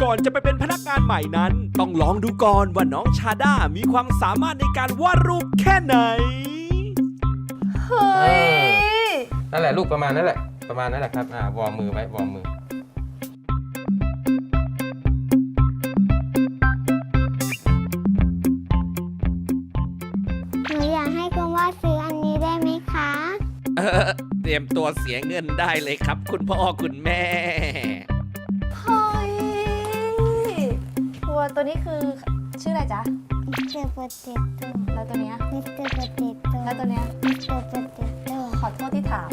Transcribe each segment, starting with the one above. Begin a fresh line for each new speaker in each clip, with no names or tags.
ก่อนจะไปเป็นพนักงานใหม่นั้น ต้องลองดูก่อนว่าน้องชาด้ามีความสามารถในการวาดรูปแค่ไหน
เฮ้ย
นั่นแหละลูกประมาณนั่นแหละครับวอร์มมือไว้วอร์มมือ
หนูอยากให้คุณว่าซื้ออันนี้ได้ไหมคะ
เตรียมตัวเสียเงินได้เลยครับ คุณพ่อคุณแม่
เฮ้ยตัวนี้คือชื่ออะไรจ๊ะ
มิสเตอร์โปเตโต้
แล้วตัวเนี้ย
มิสเตอร์โปเตโต้
แล้วตัวเนี้ย
มิสเตอร์โปเตโต้
ขอโทษที่ถาม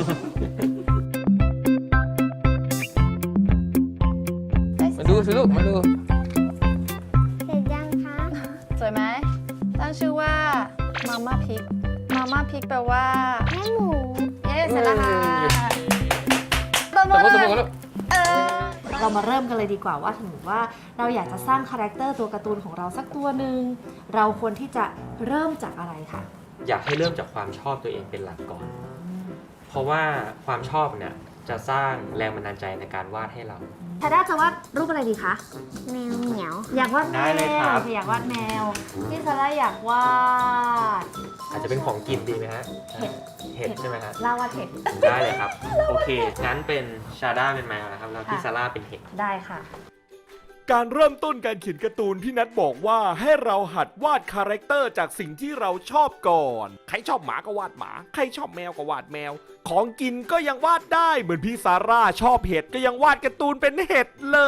มาดูสิลูกมาดู
เสร็จยังคะ
สวยไหม ตั้งชื่อว่ามาม่าพริกแปลว่า
แม่หมู
เย้เสร็จแล้วค่ะตบ
ส
มื
มมติ
อ
ลูก
เรามาเริ่มกันเลยดีกว่าว่าถึงว่าเราอยากจะสร้างคาแรคเตอร์ตัวการ์ตูนของเราสักตัวหนึ่งเราควรที่จะเริ่มจากอะไรคะ
อยากให้เริ่มจากความชอบตัวเองเป็นหลักก่อน เพราะว่าความชอบเนี่ยจะสร้างแรงบันดาลใจในการวาดให้เรา
ชาด้าจะวาดรูปอะไรดีคะ
แมวเหมียว
อยากวาดแม
ได้เลยคว รับ
อยากวาดแมวพี่ซาร่าอยากวาด
อาจจะเป็นของกินดีไหมฮะ
เห็ด
เห็ดใช่ไหมฮะ
ล่าวาดเห็ด
ได้เลยครับ โอเค งั้นเป็นชาด้าเป็นแมวนะครับแล้วพี่ซาร่าเป็นเห็ด
ได้ค่ะ
การเริ่มต้นการเขียนการ์ตูนพี่นัทบอกว่าให้เราหัดวาดคาแรคเตอร์จากสิ่งที่เราชอบก่อน ใครชอบหมาก็วาดหมา ใครชอบแมวก็วาดแมว ของกินก็ยังวาดได้ เหมือนพี่ซาร่าชอบเห็ดก็ยังวาดการ์ตูนเป็นเห็ดเลย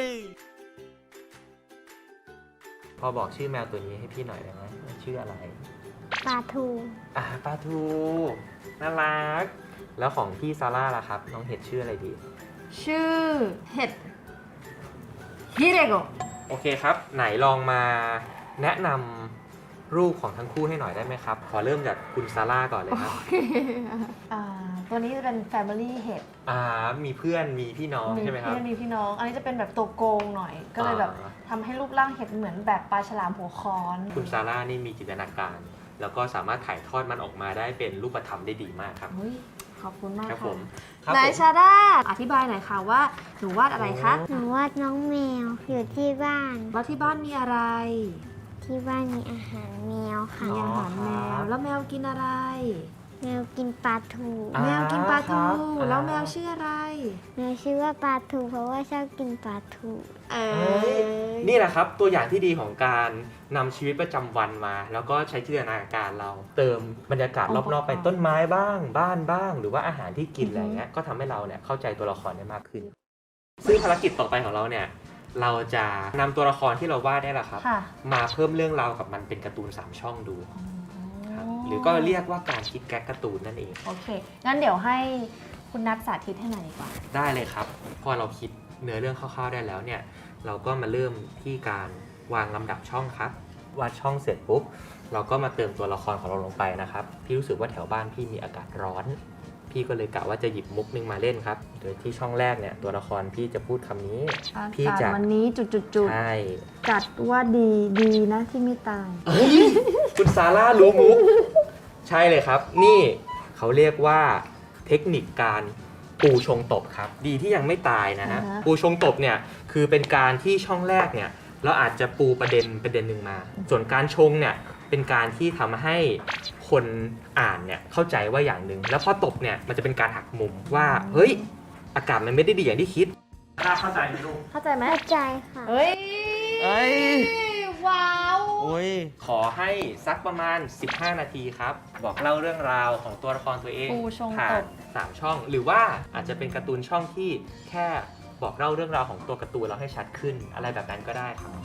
พอบอกชื่อแมวตัวนี้ให้พี่หน่อยได้ไหมชื่ออะไร
ปลาทู
ปลาทูน่ารัก แล้วของพี่ซาร่าล่ะครับน้องเห็ดชื่ออะไรดี
ชื่อเห็ดฮิเรโกะ
โอเคครับ ไหนลองมาแนะนำรูปของทั้งคู่ให้หน่อยได้ไหมครับ ขอเริ่มจากคุณซาร่าก่อนเลยครับ
ตัวนี้จะเป็น Family เห็ด
มีเพื่อนมีพี่น้องใช่ไหมครับ
เพื่อนมีพี่น้อง อันนี้จะเป็นแบบตัวโกงหน่อย ก็เลยแบบทำให้รูปร่างเห็ดเหมือนแบบปลาฉลามหัวค้อน
คุณซาร่านี่มีจินตนาการ แล้วก็สามารถถ่ายทอดมันออกมาได้เป็นรูปธรรมได้ดีมากครับ
เฮ้ยขอบคุณมาก
ครับ
ค่ะ
ผมครับ
นาย
ผม
ชาด้าอธิบายหน่อยค่ะว่าหนูวาดอะไรคะ
หนูวาดน้องแมวอยู่ที่บ้าน
แล้วที่บ้านมีอะไร
ที่บ้านมีอาหารแมวค่ะ
มีอาหารแมว แล้วแมวกินอะไร
แมวกินปลาทู
อ่า
แมวกินปลาทู
ครับ
แล้วแมวชื่ออะไร
แมวชื่อว่าปลาทูเพราะว่าชอบกินปลาทู
เอ
นี่แหละครับตัวอย่างที่ดีของการนำชีวิตประจำวันมา แล้วก็ใช้จินตนาการเรา เติมบรรยากาศรอบๆไปต้นไม้บ้าง บ้านบ้าง หรือว่าอาหารที่กินอะไรเงี้ยก็ทำให้เราเนี่ยเข้าใจตัวละครได้มากขึ้น ซึ่งภารกิจต่อไปของเราเนี่ยเราจะนำตัวละครที่เราวาดได้แหละครับ
ค่ะ
มาเพิ่มเรื่องราวกับมันเป็นการ์ตูน3ช่องดูครับหรือก็เรียกว่าการคิดแก๊กการ์ตูนนั่นเอง
โอเค งั้นเดี๋ยวให้คุณนัทสาธิตให้หน่อยดีกว่า
ได้เลยครับ พอเราคิดเนื้อเรื่องคร่าวๆได้แล้วเนี่ย เราก็มาเริ่มที่การวางลำดับช่องครับ วาดช่องเสร็จปุ๊บ เราก็มาเติมตัวละครของเราลงไปนะครับ พี่รู้สึกว่าแถวบ้านพี่มีอากาศร้อน พี่ก็เลยกะว่าจะหยิบมุกนึงมาเล่นครับ โดยที่ช่องแรกเนี่ยตัวละครพี่จะพูดคำนี้ พี่
อา
จะ
กาศวันนี้จุด
ใช่
ๆจัดว่าดีนะที่ไม่ตาย
เฮ้ยคุณซาร่ารู้มุก ใช่เลยครับ นี่เขาเรียกว่าเทคนิคการปูชงตบครับ ดีที่ยังไม่ตายนะฮะ
อ่าฮะ
ปูชงตบเนี่ยคือเป็นการที่ช่องแรกเนี่ยเราอาจจะปูประเด็นหนึ่งมา ส่วนการชงเนี่ยเป็นการที่ทำให้คนอ่านเนี่ยเข้าใจว่าอย่างหนึ่งแล้วพอตบเนี่ยมันจะเป็นการหักมุมว่าเฮ้ยอากาศมันไม่ได้ดีอย่างที่คิดเข้าใจไหมลูก
เข้าใจไหม
เข้าใจค่ะ
เฮ้ย
เอ้ย
ว้าว
โอ้ยขอให้สักประมาณ 15 นาทีครับ บอกเล่าเรื่องราวของตัวละครตัวเอง
ปูชง
ผ่า
ต
น
บ
3 ช่อง หรือว่าอาจจะเป็นการ์ตูนช่องที่แค่บอกเล่าเรื่องราวของตัวการ์ตูนเราให้ชัดขึ้น อะไรแบบนั้นก็ได้ครับ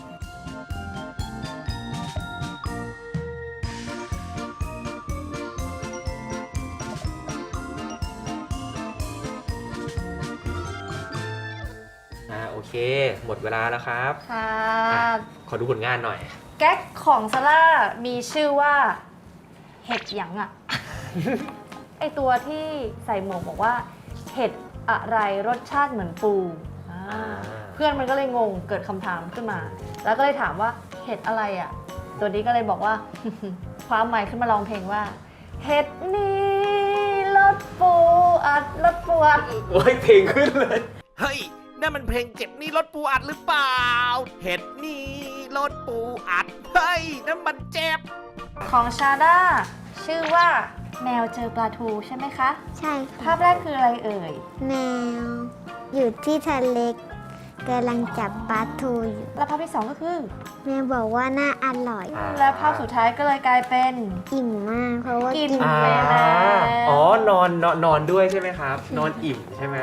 โอเค หมดเวลาแล้วครับ
ค่ะ
ขอดูผลงานหน่อย
แก๊กของซาร่ามีชื่อว่าเห็ดหยังอะ ไอตัวที่ใส่หมวกบอกว่าเห็ดอะไรรสชาติเหมือนปูเพื่อนมันก็เลยงงเกิดคำถามขึ้นมา แล้วก็เลยถามว่าเห็ดอะไรอะตัวนี้ก็เลยบอกว่า ความหมายขึ้นมาร้องเพลงว่า เห็ดนี้รสปูอัดรสปูอัด
โอ้ยเพลงขึ้นเลย
เฮ้ยนั่นมันเพลงเจ็บนี่รถปูอัดหรือเปล่า เห็ดนี่รถปูอัด เฮ้ยนั่นมันเจ็บ
ของชาด้าชื่อว่าแมวเจอปลาทูใช่ไหมคะ
ใช่
ภาพแรกคืออะไรเอ่ย
แมว อยู่ที่ทะเลกำลังจับปลาทูอยู่
และภาพที่สองก็คือ
แม่บอกว่าน่าอร่อย
และภาพสุดท้ายก็เลยกลายเป็น
อิ่มมากเพราะว่า
กิ
กิ
น
น
ไปแล้ว
อ๋อนอนด้วยใช่ไหมครับ นอนอิ่มใช่ไหม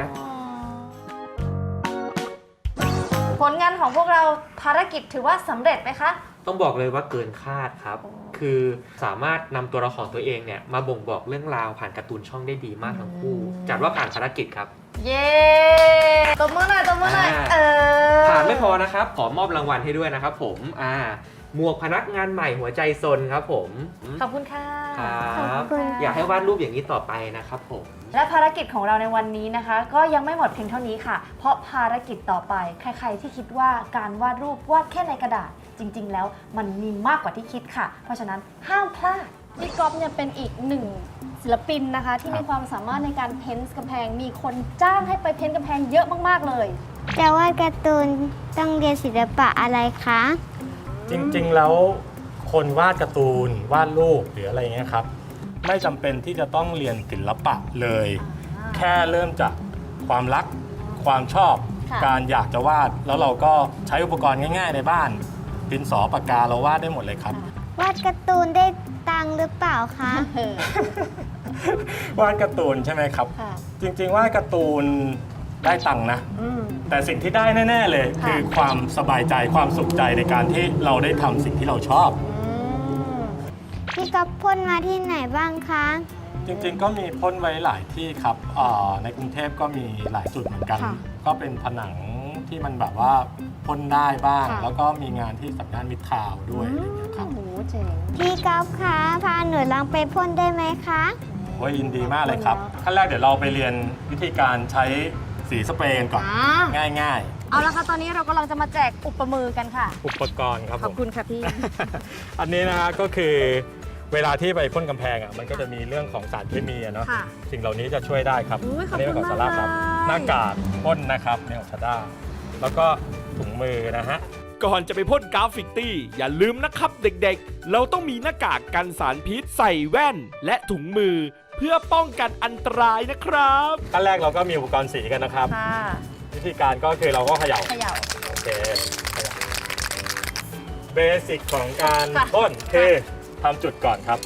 ผลงานของพวกเราภารกิจถือว่าสำเร็จไหมคะ
ต้องบอกเลยว่าเกินคาดครับ คือสามารถนำตัวละครตัวเองเนี่ยมาบ่งบอกเรื่องราวผ่านการ์ตูนช่องได้ดีมากทั้งคู่ จัดว่าผ่านภารกิจครับ
เย้ตบมือหน่อยตบมือหน่อย
ผ่านไม่พอนะครับ ขอมอบรางวัลให้ด้วยนะครับผมหมวกพนักงานใหม่หัวใจซนครับผม
ขอบคุณค่ะ
ครับ
ขอบคุณ
อยากให้วาดรูปอย่างนี้ต่อไปนะครับผม
และภารกิจของเราในวันนี้นะคะ ก็ยังไม่หมดเพียงเท่านี้ค่ะ เพราะภารกิจต่อไปใครๆที่คิดว่าการวาดรูปวาดแค่ในกระดาษ จริงๆ แล้วมันมีมากกว่าที่คิดค่ะ เพราะฉะนั้นห้ามพลาด
พี่ก๊อฟเนี่ยเป็นอีกหนึ่งศิลปินนะคะ ที่มีความสามารถในการเพ้นท์กำแพง มีคนจ้างให้ไปเพ้นท์กำแพงเยอะมากๆเลย
แต่ว่าการ์ตูนต้องเรียนศิลปะอะไรคะ
จริงๆ แล้วคนวาดการ์ตูนวาดรูปหรืออะไรเงี้ยครับ ไม่จำเป็นที่จะต้องเรียนศิลปะเลย แค่เริ่มจากความรักความชอบ
ค่ะ
การอยากจะวาด แล้วเราก็ใช้อุปกรณ์ง่ายๆ ในบ้านดินสอปากกาเราวาดได้หมดเลยครับ
วาดการ์ตูนได้ตังค์หรือเปล่าคะ
วาดการ์ตูนใช่ไหมครับ
ค่ะ
จริงๆวาดการ์ตูนได้ตังค์นะ แต่สิ่งที่ได้แน่ๆเลย
ค่ะ
คือความสบายใจความสุขใจในการที่เราได้ทำสิ่งที่เราชอบ
พี่ก๊อฟพ่นมาที่ไหนบ้างคะ
จริงๆ ก็มีพ่นไว้หลายที่ครับในกรุงเทพก็มีหลายจุดเหมือนกัน
ค่ะ
ก็เป็นผนังที่มันแบบว่าพ่นได้บ้าง
ค่ะ
แล้วก็มีงานที่สำนักมิตรทาวน์ด้วยอะไรอย่างเงี้ยครับ
โอ้โหเจ๋ง
พี่ก๊อฟคะพาหนูลองไปพ่นได้ไหมคะ
โอ้ยยินดีมากเลยครับ ขั้นแรกเดี๋ยวเราไปเรียนวิธีการใช้สีสเปรย์กันก่อน ง่าย
เอาละค่ะ ตอนนี้เรากำลังจะมาแจกอุปมือกันค่ะ
ๆ อุปกรณ์ครับ
ข
ผ
อบ
ม
คุณค่ะพี่
อันนี้นะฮะก็คือเวลาที่ไปพ่นกำแพงอ่ะมันก็จะมีเรื่องของสารเคมีอะเนาะ
ค่ะ
สิ่งเหล่านี้จะช่วยได้ครับ
อุ๊ยขอบ
นี้
คุ
เป็น
ณ
ของซาร่าครับ
มากเลย
หน้ากากพ่นนะครับในของชาด้าแล้วก็ถุงมือนะฮะ
ก่อนจะไปพ่นกราฟฟิตี้ อย่าลืมนะครับเด็กๆ เราต้องมีหน้ากากกันสารพิษใส่แว่น และถุงมือ เพื่อป้องกันอันตรายนะครับ
ขั้นแรกเราก็มีอุปกรณ์สีกันนะครับ
ค่ะ
วิธีการก็คือเราก็เขย่า
เขย่า
โอเคเขย่าเบสิกของการ
ค่ะ
พ่นคือทำจุดก่อนครับ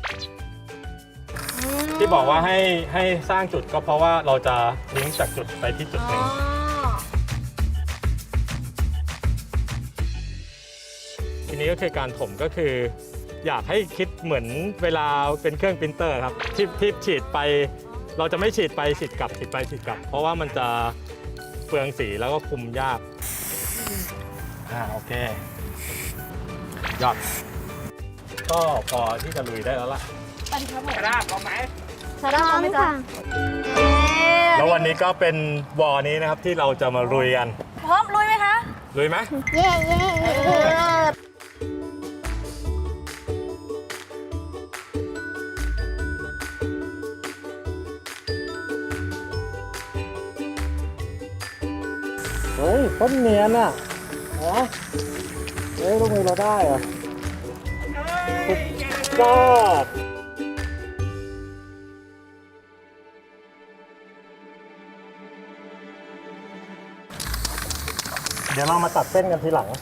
ที่บอกว่าให้สร้างจุดก็เพราะว่าเราจะลิงก์จากจุดไปที่จุดหนึ่ง ทีนี้ก็คือการถมก็คือ อยากให้คิดเหมือนเวลาเป็นเครื่องปรินเตอร์ครับที่ฉีดไป เราจะไม่ฉีดไปฉีดกลับฉีดไปฉีดกลับ เพราะว่ามันจะเปลืองสีแล้วก็คุมยากโอเค ยอด ก็พอที่จะลุยได้แล้วล่ะ
ไปดิครับผม
กระดาษพร้อมไหม
ชาด้าพร้อมไหมจ๊ะ
แล้ววันนี้ก็เป็นวอนี้นะครับที่เราจะมาลุยกัน
พร้อมลุยไหมคะ
ลุยไหม
เย้เย้เย้
เฮ้ยต้นเนียนอ่ะเฮ้ยลูกมือเราได้เหรอสุดยอดเดี๋ยวเรามาตัดเส้นกันทีหลัง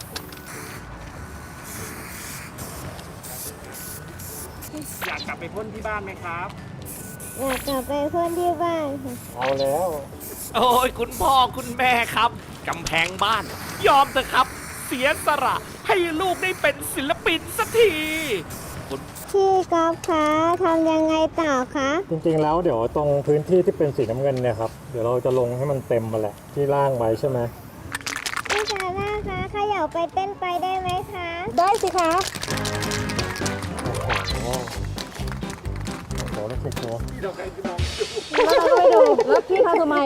อยากกลับไปพ่นที่บ้านไหมครับ
อยากกลับไปพ่นที่บ้านค่ะ
เอาแล้ว
โอ้ยคุณพ่อคุณแม่ครับกำแพงบ้าน ยอมเถอะครับ เสียสละให้ลูกได้เป็นศิลปินสักที
พี่ก๊อฟคะทำยังไงต่อคะ
จริงๆแล้วเดี๋ยวตรงพื้นที่ที่เป็นสีน้ำเงินเนี่ยครับเดี๋ยวเราจะลงให้มันเต็มมาแหละที่ล่างไว้ใช่ไหม
พี่ซาร่าคะเขย่าไปเต้นไปได้ไหมคะ
ได้สิคะ
โอ้โหแล้วสิตัว
แล้วเราก็ไปดู แล้วพี่ทำทำไม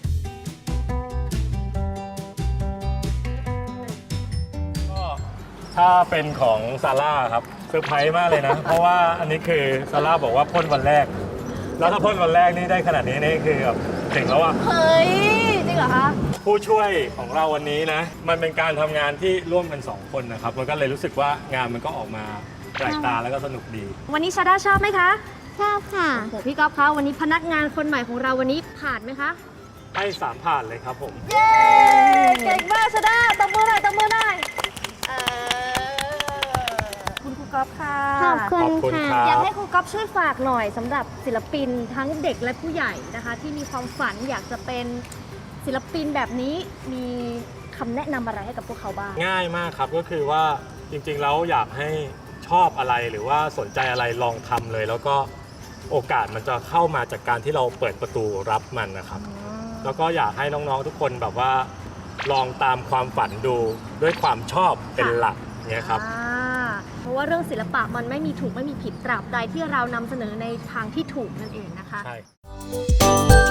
ก็ถ้าเป็นของซาร่าครับเซอร์ไพรส์มากเลยนะ เพราะว่าอันนี้คือซาร่าบอกว่าพ่นวันแรก แล้วถ้าพ่นวันแรกนี่ได้ขนาดนี้นี่คือแบบเจ๋งแล้วอะ
เฮ้ย จริงเหรอคะ
ผู้ช่วยของเราวันนี้นะ มันเป็นการทำงานที่ร่วมกัน 2 คนนะครับ มันก็เลยรู้สึกว่างานมันก็ออกมาแปลกตาแล้วก็สนุกดี
วันนี้ชาด้าชอบไหมคะ
ชอบค่ะ
โอ้โหพี่ก๊อฟคะวันนี้พนักงานคนใหม่ของเราวันนี้ผ่านไหมคะ
ให้ 3 ผ่านเลยครับผม
เย้เก่งมากชาด้าตบมือหน่อยตบมือหน่อยคุณครูก๊อฟค่ะ
ขอบคุณ
ขอบคุณ
ค่ะ
ค
อยา
รั
ก
บ
ให้ครูก๊อฟช่วยฝากหน่อยสำหรับศิลปินทั้งเด็กและผู้ใหญ่นะคะ ที่มีความฝันอยากจะเป็นศิลปินแบบนี้มีคำแนะนำอะไรให้กับพวกเขาบ้าง
ง่ายมากครับก็คือว่าจริงๆแล้วอยากให้ชอบอะไรหรือว่าสนใจอะไรลองทำเลย แล้วก็โอกาสมันจะเข้ามาจากการที่เราเปิดประตูรับมันนะครับ แล้วก็อยากให้น้องๆทุกคนแบบว่าลองตามความฝันดูด้วยความชอบเป็นหลักเนี่ยครับ
เพราะว่าเรื่องศิลปะมันไม่มีถูกไม่มีผิดตราบใดที่เรานำเสนอในทางที่ถูกนั่นเองนะคะ
ใช่